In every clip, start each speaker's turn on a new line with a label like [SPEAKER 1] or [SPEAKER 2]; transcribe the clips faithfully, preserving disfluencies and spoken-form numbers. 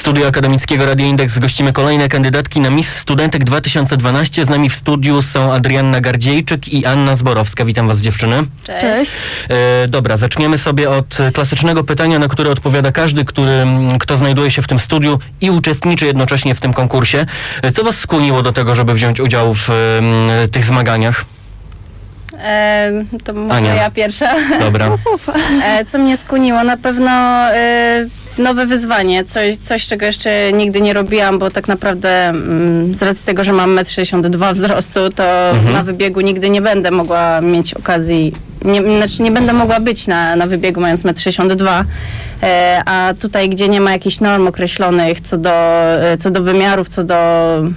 [SPEAKER 1] Studio Akademickiego Radia Indeks gościmy kolejne kandydatki na Miss Studentek dwa tysiące dwanaście. Z nami w studiu są Adrianna Gardziejczyk i Anna Zborowska. Witam was, dziewczyny.
[SPEAKER 2] Cześć.
[SPEAKER 3] Cześć.
[SPEAKER 1] E, dobra, zaczniemy sobie od klasycznego pytania, na które odpowiada każdy, który, kto znajduje się w tym studiu i uczestniczy jednocześnie w tym konkursie. E, co was skłoniło do tego, żeby wziąć udział w e, tych zmaganiach?
[SPEAKER 2] E, to może
[SPEAKER 1] Ania.
[SPEAKER 2] ja pierwsza.
[SPEAKER 1] Dobra.
[SPEAKER 2] E, co mnie skłoniło? Na pewno e, nowe wyzwanie. Coś, coś, czego jeszcze nigdy nie robiłam, bo tak naprawdę mm, z racji tego, że mam metr sześćdziesiąt dwa wzrostu, to
[SPEAKER 1] Mhm.
[SPEAKER 2] na wybiegu nigdy nie będę mogła mieć okazji, nie, znaczy nie będę mogła być na, na wybiegu mając metr sześćdziesiąt dwa. E, a tutaj, gdzie nie ma jakichś norm określonych co do, e, co do wymiarów, co do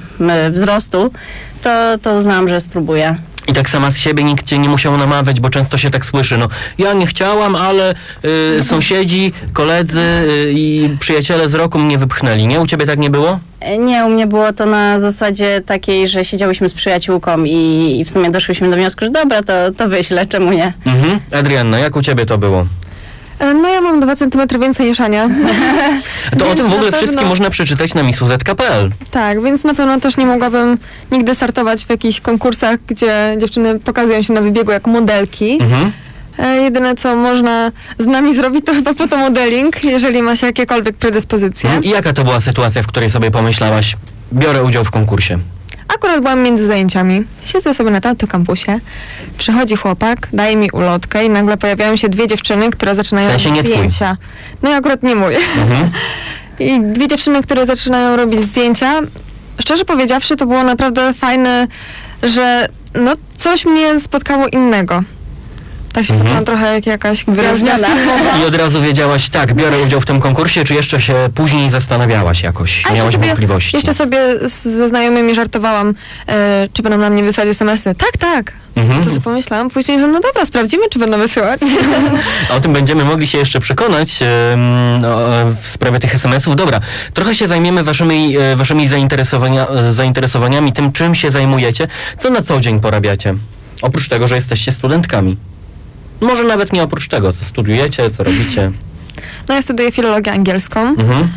[SPEAKER 2] e, wzrostu, to, to uznałam, że spróbuję.
[SPEAKER 1] I tak sama z siebie nikt cię nie musiał namawiać, bo często się tak słyszy, no ja nie chciałam, ale y, sąsiedzi, koledzy y, i przyjaciele z roku mnie wypchnęli, nie? U ciebie tak nie było?
[SPEAKER 2] Nie, u mnie było to na zasadzie takiej, że siedziałyśmy z przyjaciółką i, i w sumie doszłyśmy do wniosku, że dobra, to, to wyślę, czemu nie?
[SPEAKER 1] Mhm. Adrianna, jak u ciebie to było?
[SPEAKER 3] No ja mam dwa centymetry więcej niż Ania.
[SPEAKER 1] To o
[SPEAKER 3] Więc
[SPEAKER 1] tym w
[SPEAKER 3] na
[SPEAKER 1] ogóle
[SPEAKER 3] pewno-
[SPEAKER 1] wszystkim można przeczytać na miss u z kropka p l.
[SPEAKER 3] Tak, więc na pewno też nie mogłabym nigdy startować w jakichś konkursach, gdzie dziewczyny pokazują się na wybiegu jako modelki.
[SPEAKER 1] Mhm.
[SPEAKER 3] E, jedyne co można z nami zrobić to chyba fotomodeling, jeżeli ma się jakiekolwiek predyspozycje.
[SPEAKER 1] I jaka to była sytuacja, w której sobie pomyślałaś, biorę udział w konkursie?
[SPEAKER 3] Akurat byłam między zajęciami. Siedzę sobie na tamtym kampusie. Przychodzi chłopak, daje mi ulotkę i nagle pojawiają się dwie dziewczyny, które zaczynają
[SPEAKER 1] W sensie
[SPEAKER 3] robić
[SPEAKER 1] nie twój.
[SPEAKER 3] zdjęcia. No i akurat nie mój.
[SPEAKER 1] Mhm.
[SPEAKER 3] I dwie dziewczyny, które zaczynają robić zdjęcia. Szczerze powiedziawszy, to było naprawdę fajne, że no coś mnie spotkało innego. Tak się
[SPEAKER 1] Mhm.
[SPEAKER 3] poczułam trochę jak jakaś gwiazda
[SPEAKER 2] Wyróżniona.
[SPEAKER 3] filmowa.
[SPEAKER 1] I od razu wiedziałaś, tak, biorę udział w tym konkursie, czy jeszcze się później zastanawiałaś jakoś?
[SPEAKER 3] A jeszcze
[SPEAKER 1] Miałaś
[SPEAKER 3] sobie,
[SPEAKER 1] wątpliwości?
[SPEAKER 3] jeszcze sobie z, ze znajomymi żartowałam, e, czy będą na mnie wysyłać es em esy. Tak, tak.
[SPEAKER 1] Mhm.
[SPEAKER 3] To sobie pomyślałam później, że no dobra, sprawdzimy, czy będą wysyłać.
[SPEAKER 1] A o tym będziemy mogli się jeszcze przekonać em, no, w sprawie tych es em esów. Dobra, trochę się zajmiemy waszymi, e, waszymi zainteresowania, e, zainteresowaniami, tym czym się zajmujecie. Co na co dzień porabiacie? Oprócz tego, że jesteście studentkami. Może nawet nie oprócz tego, co studiujecie, co robicie.
[SPEAKER 3] No ja studiuję filologię angielską.
[SPEAKER 1] Mhm.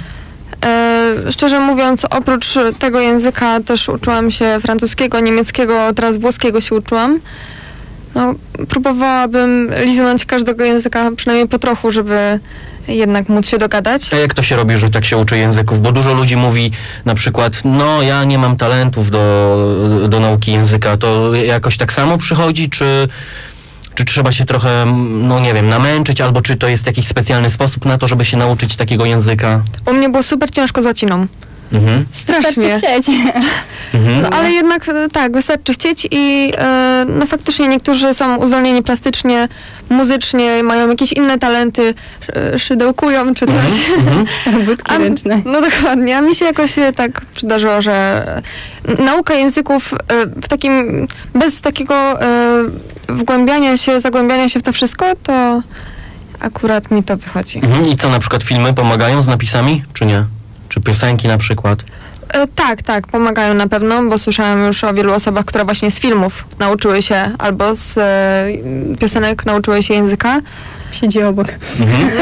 [SPEAKER 3] E, szczerze mówiąc, oprócz tego języka też uczyłam się francuskiego, niemieckiego, teraz włoskiego się uczyłam. No, próbowałabym liznąć każdego języka przynajmniej po trochu, żeby jednak móc się dogadać.
[SPEAKER 1] A jak to się robi, że tak się uczy języków? Bo dużo ludzi mówi na przykład, no ja nie mam talentów do, do nauki języka. To jakoś tak samo przychodzi, czy... Czy trzeba się trochę, no nie wiem, namęczyć, albo czy to jest jakiś specjalny sposób na to, żeby się nauczyć takiego języka?
[SPEAKER 3] U mnie było super ciężko z łaciną.
[SPEAKER 1] Mhm.
[SPEAKER 3] Strasznie.
[SPEAKER 2] Wystarczy chcieć.
[SPEAKER 1] Mhm.
[SPEAKER 3] No ale jednak e, tak, wystarczy chcieć i e, no faktycznie niektórzy są uzdolnieni plastycznie, muzycznie, mają jakieś inne talenty, sz, szydełkują czy coś.
[SPEAKER 1] Mhm.
[SPEAKER 2] Budki
[SPEAKER 3] A-
[SPEAKER 2] ręczne.
[SPEAKER 3] No dokładnie, a mi się jakoś e, tak przydarzyło, że e, nauka języków e, w takim, bez takiego e, wgłębiania się, zagłębiania się w to wszystko, to akurat mi to wychodzi.
[SPEAKER 1] Mhm. I co, na przykład filmy pomagają z napisami, czy nie? Czy piosenki na przykład?
[SPEAKER 3] E, tak, tak, pomagają na pewno, bo słyszałam już o wielu osobach, które właśnie z filmów nauczyły się albo z e, piosenek nauczyły się języka.
[SPEAKER 2] Siedzi obok.
[SPEAKER 1] Mhm.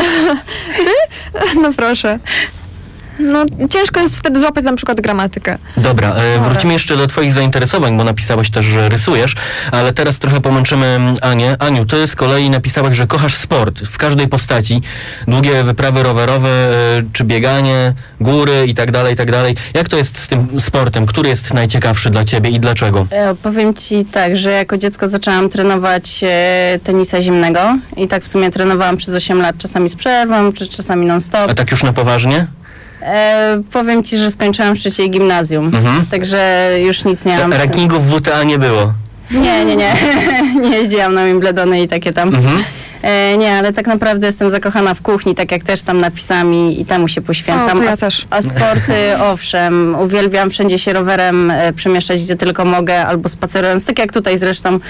[SPEAKER 3] No proszę. No ciężko jest wtedy złapać na przykład gramatykę.
[SPEAKER 1] Dobra, e, wrócimy jeszcze do twoich zainteresowań, bo napisałaś też, że rysujesz, ale teraz trochę pomęczymy Anię. Aniu, ty z kolei napisałaś, że kochasz sport w każdej postaci. Długie wyprawy rowerowe, e, czy bieganie, góry i tak dalej, i tak dalej. Jak to jest z tym sportem? Który jest najciekawszy dla ciebie i dlaczego?
[SPEAKER 2] E, powiem ci tak, że jako dziecko zaczęłam trenować e, tenisa zimnego i tak w sumie trenowałam przez osiem lat, czasami z przerwą, czy czasami non-stop.
[SPEAKER 1] A tak już na poważnie?
[SPEAKER 2] E, powiem ci, że skończyłam w trzeciej gimnazjum,
[SPEAKER 1] Mhm.
[SPEAKER 2] także już nic nie mam.
[SPEAKER 1] Rankingów w W T A nie było.
[SPEAKER 2] Nie, nie, nie. Nie jeździłam na Wimbledony i takie tam.
[SPEAKER 1] Mhm.
[SPEAKER 2] E, nie, ale tak naprawdę jestem zakochana w kuchni, tak jak też tam napisami i temu się poświęcam.
[SPEAKER 3] O, to ja
[SPEAKER 2] a,
[SPEAKER 3] też.
[SPEAKER 2] a sporty, owszem, uwielbiam wszędzie się rowerem e, przemieszczać, gdzie tylko mogę, albo spacerując, tak jak tutaj zresztą.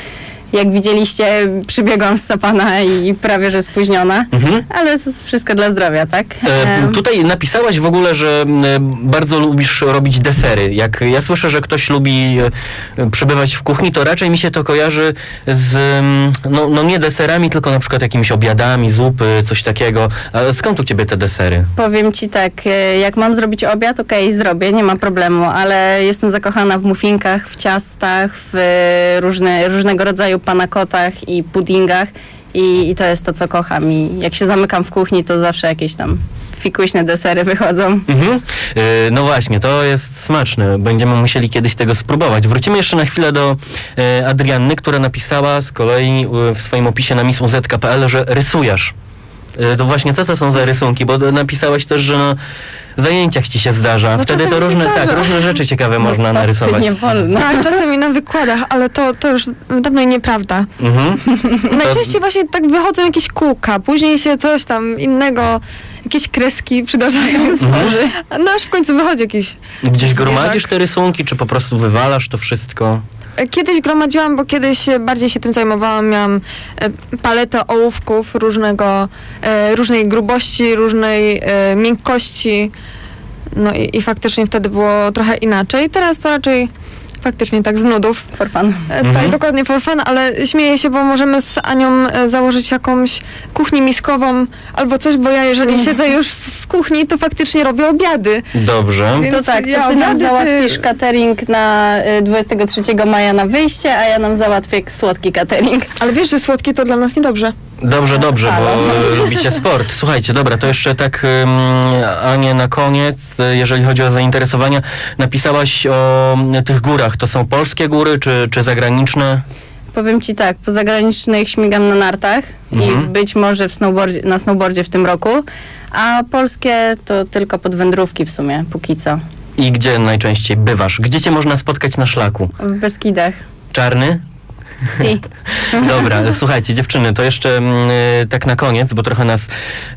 [SPEAKER 2] Jak widzieliście, przybiegłam z Sapana i prawie że spóźniona,
[SPEAKER 1] Mhm.
[SPEAKER 2] ale to wszystko dla zdrowia, tak?
[SPEAKER 1] E,
[SPEAKER 2] Em,
[SPEAKER 1] tutaj napisałaś w ogóle, że e, bardzo lubisz robić desery. Jak ja słyszę, że ktoś lubi e, przebywać w kuchni, to raczej mi się to kojarzy z, mm, no, no nie deserami, tylko na przykład jakimiś obiadami, zupy, coś takiego. A skąd u ciebie te desery?
[SPEAKER 2] Powiem ci tak, e, jak mam zrobić obiad, okej, zrobię, nie ma problemu, ale jestem zakochana w muffinkach, w ciastach, w e, różne, różnego rodzaju panakotach i puddingach i, i to jest to, co kocham. I jak się zamykam w kuchni, to zawsze jakieś tam fikuśne desery wychodzą.
[SPEAKER 1] Mhm. E, No właśnie, to jest smaczne. Będziemy musieli kiedyś tego spróbować. Wrócimy jeszcze na chwilę do e, Adrianny, która napisała z kolei e, w swoim opisie na miss u zet kropka pe el, że rysujesz. E, To właśnie co to są za rysunki? Bo napisałaś też, że na zajęciach ci się zdarza.
[SPEAKER 3] No
[SPEAKER 1] Wtedy to
[SPEAKER 3] czasem mi się
[SPEAKER 1] różne, tak,
[SPEAKER 3] zdarza.
[SPEAKER 1] różne rzeczy ciekawe można
[SPEAKER 2] Co ty,
[SPEAKER 1] narysować.
[SPEAKER 2] nie wolno.
[SPEAKER 3] Tak, czasami na wykładach, ale to, to już dawno nieprawda.
[SPEAKER 1] Mhm.
[SPEAKER 3] Najczęściej właśnie tak wychodzą jakieś kółka, później się coś tam innego, jakieś kreski przydarzają.
[SPEAKER 1] Mhm.
[SPEAKER 3] No aż w końcu wychodzi jakiś
[SPEAKER 1] Gdzieś
[SPEAKER 3] zwierzak.
[SPEAKER 1] gromadzisz te rysunki, czy po prostu wywalasz to wszystko?
[SPEAKER 3] Kiedyś gromadziłam, bo kiedyś bardziej się tym zajmowałam. Miałam e, paletę ołówków różnego, e, różnej grubości, różnej e, miękkości. No i, i faktycznie wtedy było trochę inaczej. Teraz to raczej faktycznie tak z nudów.
[SPEAKER 2] For fun.
[SPEAKER 3] E,
[SPEAKER 1] Mhm.
[SPEAKER 3] Tak, dokładnie for fun, ale śmieję się, bo możemy z Anią e, założyć jakąś kuchnię miskową albo coś, bo ja jeżeli
[SPEAKER 2] Mhm.
[SPEAKER 3] siedzę już w w kuchni, to faktycznie robię obiady.
[SPEAKER 1] Dobrze.
[SPEAKER 3] Więc
[SPEAKER 2] To tak, to
[SPEAKER 3] ja
[SPEAKER 2] ty nam
[SPEAKER 3] obiady, ty-
[SPEAKER 2] załatwisz catering na y, dwudziestego trzeciego maja na wyjście, a ja nam załatwię słodki catering.
[SPEAKER 3] Ale wiesz, że słodkie to dla nas niedobrze.
[SPEAKER 1] Dobrze, dobrze, bo
[SPEAKER 2] Halo.
[SPEAKER 1] lubicie sport. Słuchajcie, dobra, to jeszcze tak, ym, Anie, na koniec, y, jeżeli chodzi o zainteresowania, napisałaś o y, tych górach. To są polskie góry, czy, czy zagraniczne?
[SPEAKER 2] Powiem ci tak, po zagranicznych śmigam na nartach
[SPEAKER 1] Mhm.
[SPEAKER 2] i być może w snowboardzie, na snowboardzie w tym roku, a polskie to tylko pod wędrówki w sumie, póki co.
[SPEAKER 1] I gdzie najczęściej bywasz? Gdzie cię można spotkać na szlaku?
[SPEAKER 2] W Beskidach.
[SPEAKER 1] Czarny?
[SPEAKER 2] Si.
[SPEAKER 1] Dobra, słuchajcie, dziewczyny, to jeszcze mm, y, tak na koniec, bo trochę nas y,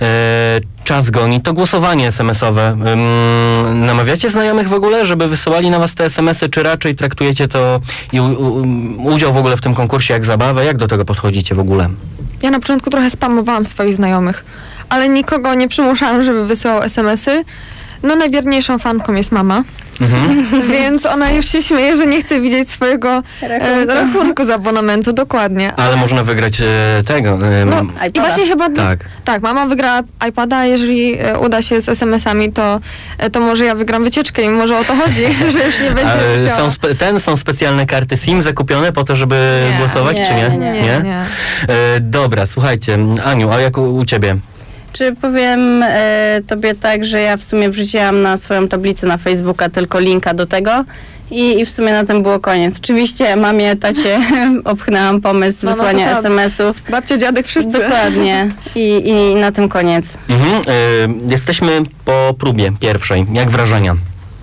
[SPEAKER 1] czas goni. To głosowanie es em esowe. Ym, namawiacie znajomych w ogóle, żeby wysyłali na was te es em esy, czy raczej traktujecie to i u, u, udział w ogóle w tym konkursie jak zabawę? Jak do tego podchodzicie w ogóle?
[SPEAKER 3] Ja na początku trochę spamowałam swoich znajomych, ale nikogo nie przymuszałam, żeby wysyłał es em esy. No najwierniejszą fanką jest mama,
[SPEAKER 1] Mhm.
[SPEAKER 3] więc ona już się śmieje, że nie chce widzieć swojego e,
[SPEAKER 2] Rachunku.
[SPEAKER 3] rachunku z abonamentu, dokładnie.
[SPEAKER 1] Ale można wygrać e, tego. E,
[SPEAKER 3] No,
[SPEAKER 1] m-
[SPEAKER 3] i
[SPEAKER 2] iPada.
[SPEAKER 3] właśnie chyba...
[SPEAKER 1] tak.
[SPEAKER 3] Tak, mama wygrała iPada, a jeżeli e, uda się z es em esami, to, e, to może ja wygram wycieczkę i może o to chodzi, że już nie będzie
[SPEAKER 1] A, e,
[SPEAKER 3] musiała.
[SPEAKER 1] są spe- ten są specjalne karty SIM zakupione po to, żeby
[SPEAKER 3] Nie,
[SPEAKER 1] głosować,
[SPEAKER 2] nie,
[SPEAKER 1] czy nie?
[SPEAKER 2] nie,
[SPEAKER 3] Nie, nie.
[SPEAKER 1] E, dobra, słuchajcie, Aniu, a jak u, u ciebie?
[SPEAKER 2] Czy powiem e, tobie tak, że ja w sumie wrzuciłam na swoją tablicę na Facebooka tylko linka do tego i, i w sumie na tym było koniec. Oczywiście mamie, tacie obchnęłam pomysł
[SPEAKER 3] Mama to
[SPEAKER 2] wysłania
[SPEAKER 3] prawda.
[SPEAKER 2] es em esów.
[SPEAKER 3] Babcia, dziadek, wszyscy.
[SPEAKER 2] Dokładnie. I, I na tym koniec.
[SPEAKER 1] Mhm. E, jesteśmy po próbie pierwszej. Jak wrażenia?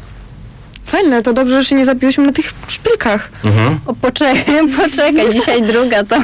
[SPEAKER 3] Fajne, to dobrze, że się nie zabiłyśmy na tych szpilkach.
[SPEAKER 1] Mhm.
[SPEAKER 2] O, poczekaj, poczekaj, dzisiaj druga to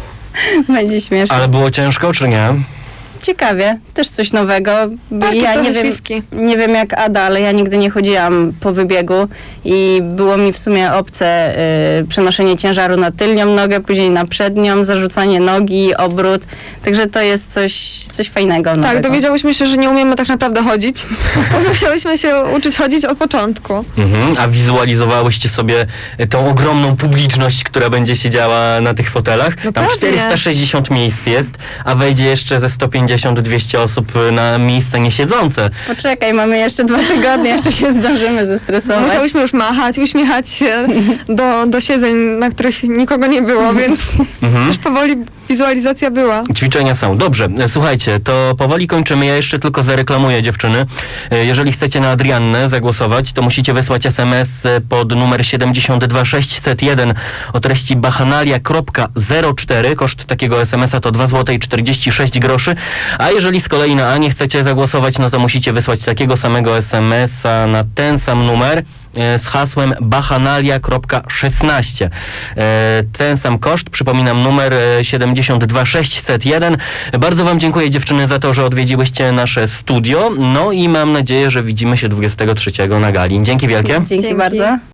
[SPEAKER 2] będzie śmieszne.
[SPEAKER 1] Ale było ciężko, czy nie?
[SPEAKER 2] Ciekawie, też coś nowego.
[SPEAKER 3] Tak,
[SPEAKER 2] ja
[SPEAKER 3] trochę
[SPEAKER 2] nie wiem,
[SPEAKER 3] śliski.
[SPEAKER 2] nie wiem jak Ada, ale ja nigdy nie chodziłam po wybiegu i było mi w sumie obce y, przenoszenie ciężaru na tylnią nogę, później na przednią, zarzucanie nogi, obrót. Także to jest coś, coś fajnego.
[SPEAKER 3] Tak,
[SPEAKER 2] nowego.
[SPEAKER 3] dowiedziałyśmy się, że nie umiemy tak naprawdę chodzić. Bo musiałyśmy się uczyć chodzić od początku.
[SPEAKER 1] Mhm. A wizualizowałyście sobie tą ogromną publiczność, która będzie siedziała na tych fotelach?
[SPEAKER 3] No
[SPEAKER 1] Tam
[SPEAKER 3] pewnie.
[SPEAKER 1] czterysta sześćdziesiąt miejsc jest, a wejdzie jeszcze ze sto pięćdziesiąt do dwieście osób na miejsca niesiedzące.
[SPEAKER 2] Poczekaj, mamy jeszcze dwa tygodnie, jeszcze się zdążymy zestresować.
[SPEAKER 3] Musiałyśmy już machać, uśmiechać się do, do siedzeń, na których nikogo nie było, więc
[SPEAKER 1] Mhm.
[SPEAKER 3] już powoli wizualizacja była.
[SPEAKER 1] Ćwiczenia są. Dobrze, e, słuchajcie, to powoli kończymy. Ja jeszcze tylko zareklamuję, dziewczyny. E, Jeżeli chcecie na Adriannę zagłosować, to musicie wysłać es em es pod numer siedemdziesiąt dwa sześćset jeden o treści bachanalia kropka zero cztery. Koszt takiego es em esa to dwa złote i czterdzieści sześć groszy. A jeżeli z kolei na Anię chcecie zagłosować, no to musicie wysłać takiego samego es em esa na ten sam numer e, z hasłem bachanalia kropka szesnaście. E, Ten sam koszt, przypominam, numer e, siedemdziesiąt dwa sześćset jeden. Bardzo wam dziękuję, dziewczyny, za to, że odwiedziłyście nasze studio. No i mam nadzieję, że widzimy się dwudziestego trzeciego na gali. Dzięki wielkie.
[SPEAKER 2] Dzięki
[SPEAKER 3] Dzięki.
[SPEAKER 2] bardzo.